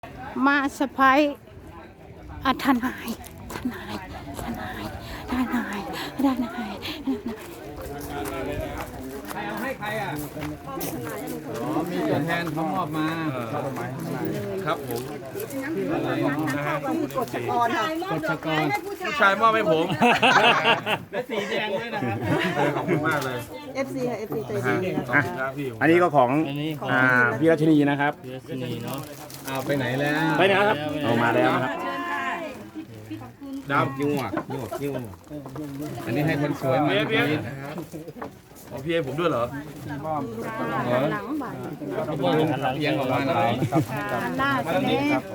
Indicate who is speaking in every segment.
Speaker 1: มาสะพายทนาย
Speaker 2: ใครเอาให้ใครอ่ะอ๋อมีตัวแทนเขามอบมาครับผมนะฮะกฎชกรผู้ชายมอบให้ผมและสีแดงด้วยนะครับขอบคุณมากเลย
Speaker 3: FC ค่ะ FC ใจดีนะคะ
Speaker 4: อันนี้ก็ของพี่รัชนีนะครับ
Speaker 2: เอาไปไหนแล้ว
Speaker 4: ไปไหนครับเอามาแล้วนะครับ
Speaker 2: ดาวกิ้วอ่ะอันนี้ให้คนสวยมาพี่นะครับเอาพี่ให้ผมด้วยเหรอเพียงออกมาหน่อยมาตรงนี้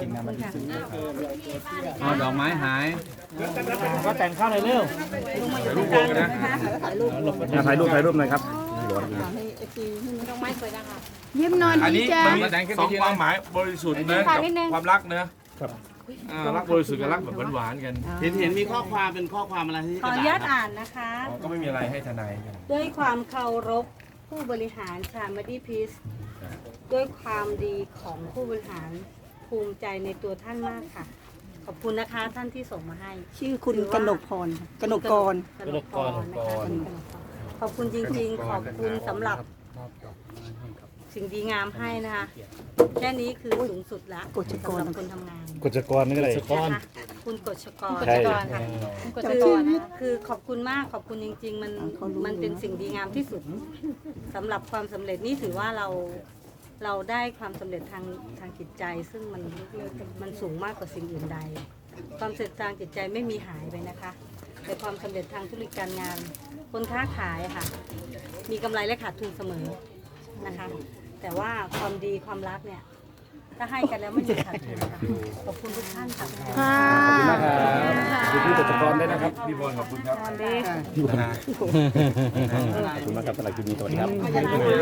Speaker 2: เอาดอกไม้หาย
Speaker 4: ก็แต่งข้าวในเร็ว
Speaker 2: ถ่ายรูปวงกันนะ
Speaker 3: ถ่ายรูป
Speaker 4: ถ่ายรูปหน่อยครับ
Speaker 3: ให้ FC
Speaker 1: ยิ้มนอน
Speaker 2: อัน
Speaker 1: ดี
Speaker 2: นี้
Speaker 1: จ้า
Speaker 2: มันแดงแค่
Speaker 5: สอง
Speaker 2: นี้
Speaker 5: ความ
Speaker 2: นะ
Speaker 5: หมายบริสุทธิ์นะกับความรักนะรักบริสุทธิ์กับรักแบบหวานๆกัน
Speaker 4: เห็นมีข้อความเป็นข้อความอะไรที่
Speaker 6: ขออนุญาตอ่านนะคะ
Speaker 5: ก็ไม่มีอะไรให้ทนายกัน
Speaker 6: ด้วยความเคารพผู้บริหารชามาดีพีซด้วยความดีของผู้บริหารภูมิใจในตัวท่านมากค่ะ ขอบคุณนะคะท่านที่ส่งมาให้
Speaker 3: ชื่อคุณกนกพรกนกกร
Speaker 6: กนกกรนะคะขอบคุณจริงๆ ขอบคุณสำหรับสิ่งดีงามให้นะคะแค่นี้คือสูงสุดละ
Speaker 3: กฎชกร
Speaker 6: สำหรับคนทำงาน
Speaker 4: กฎจกรนี่อะไร
Speaker 6: นะคะคุณกฎชกร
Speaker 4: ใช่
Speaker 6: ค่ะคือขอบคุณมากขอบคุณจริงๆ มันเป็นสิ่งดีงามที่สุดสำหรับความสำเร็จนี่ถือว่าเราได้ความสำเร็จทางจิตใจ ซึ่งมันสูงมากกว่าสิ่งอื่นใด ความสำเร็จทางจิตใจไม่มีหายไปนะคะ แต่ความสำเร็จทางธุรกิจการงาน คนค้าขายค่ะ มีกำไรและขาดทุนเสมอนะคะ แต่ว่าความดีความรักเนี่ยถ้าให้กันแล้วไม่มีขาดทุนค่ะขอบคุณทุกท่านค่ะ
Speaker 1: ค่ะ
Speaker 4: พี่กฎจกรได้นะครับ
Speaker 5: พี่บอลขอบคุณครับ
Speaker 4: พี่บอลขอบคุณมากครับสำหรับคลิปนี้สวัสดีครับ
Speaker 5: ด้วย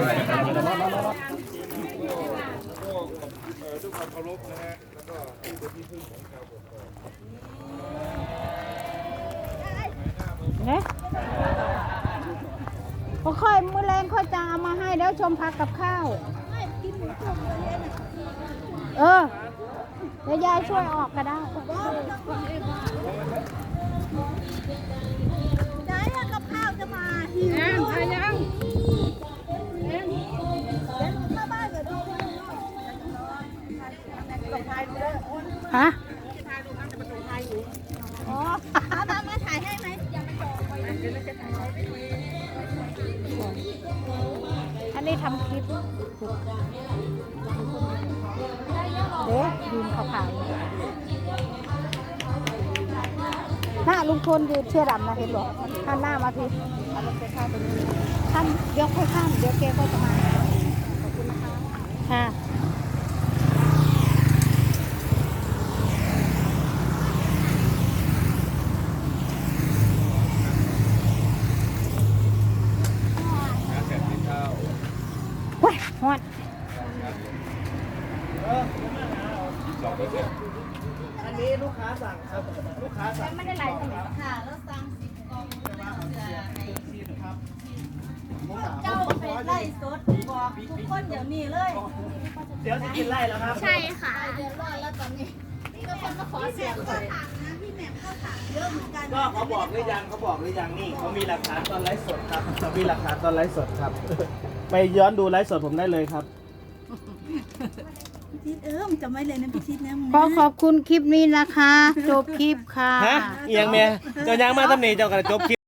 Speaker 5: ความเคารพนะฮะแล้วก็ผู้เป็นที่พึ่งของชาวกกอก
Speaker 1: เนี่ยค่อยมือแรงค่อยจะเอามาให้แล้วชมพักกับข้าวเดี๋ยวยายช่วยออกก็ได้ฮะอันนี้ทำคลิปเด็กยืนขาวๆหน้าลุงพลยืนเชื่อดำนะเห็นหรอท่านหน้ามาทีท่านเดี๋ยวค่อยข้ามเดี๋ยวแกก็จะมาขอบคุณนะคะค่ะ ว้ายฮอด
Speaker 4: อันนี้ลูกค้าสั่งครับลูกค้าสั่ง
Speaker 6: ไม่ได้ไหลตรงไหนค่ะแล้วสั่งเจ้าเป็นไล่สดบอกทุกคนเดี๋ยวนี้เลย
Speaker 4: เดี๋ยวจะกินไล่แล้วครับ
Speaker 6: ใช่ค่ะเดือดร้อนแล้วตอนนี้นี่ก็คนมาขอเสียงเลย
Speaker 4: ก็เขาบอกหรือยังนี่เขามีหลักฐานตอนไลฟ์สดครับเขามีหลักฐานตอนไลฟ์สดครับ ไปย้อนดูไลฟ์สดผมได้เลยครับ
Speaker 3: พี่ชิดจะไม่เลยนะพี่ชิดนะมึง
Speaker 1: ขอขอบคุณคลิปนี้นะคะ จบคลิปค่ะ
Speaker 4: ฮะเอียงเมียเจ้ายังมาตำหนิเจ้ากระจบคลิป